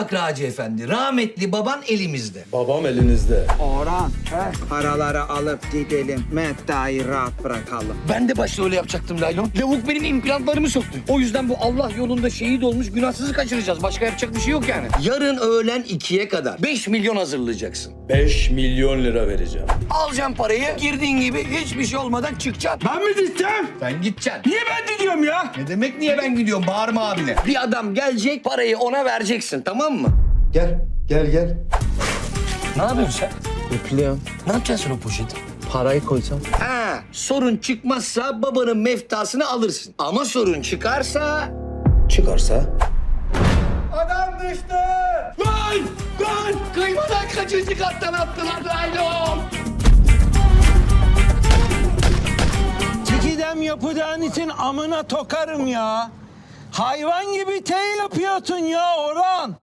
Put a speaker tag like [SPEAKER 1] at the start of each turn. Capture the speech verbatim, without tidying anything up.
[SPEAKER 1] bak Raci Efendi, rahmetli baban elimizde.
[SPEAKER 2] Babam elinizde.
[SPEAKER 3] Orhan, paraları alıp gidelim. Meftayı rahat bırakalım.
[SPEAKER 1] Ben de başta öyle yapacaktım Laylon. Lavuk benim implantlarımı soktu. O yüzden bu Allah yolunda şehit olmuş günahsızı kaçıracağız. Başka yapacak bir şey yok yani. Yarın öğlen ikiye kadar beş milyon hazırlayacaksın.
[SPEAKER 2] beş milyon lira vereceğim.
[SPEAKER 1] Alacaksın parayı, girdiğin gibi hiçbir şey olmadan çıkacaksın.
[SPEAKER 4] Ben mi gideceğim?
[SPEAKER 1] Sen gideceksin.
[SPEAKER 4] Niye ben gidiyorum ya?
[SPEAKER 1] Ne demek niye ben gidiyorum? Bağırma abine. Bir adam gelecek, parayı ona vereceksin, tamam mı?
[SPEAKER 2] Gel, gel, gel.
[SPEAKER 1] Ne yapıyorsun sen?
[SPEAKER 3] Üflüyorum.
[SPEAKER 1] Ne yapacaksın sen o poşeti?
[SPEAKER 3] Parayı koysam.
[SPEAKER 1] Ha, sorun çıkmazsa babanın meftasını alırsın. Ama sorun çıkarsa...
[SPEAKER 2] Çıkarsa?
[SPEAKER 4] Adam düştü. Lan! Lan!
[SPEAKER 1] Kıymadan kaçıncı kattan attılar Laylon?
[SPEAKER 4] Çekidem yapacağın için amına tokarım ya. Hayvan gibi tey yapıyorsun ya Orhan.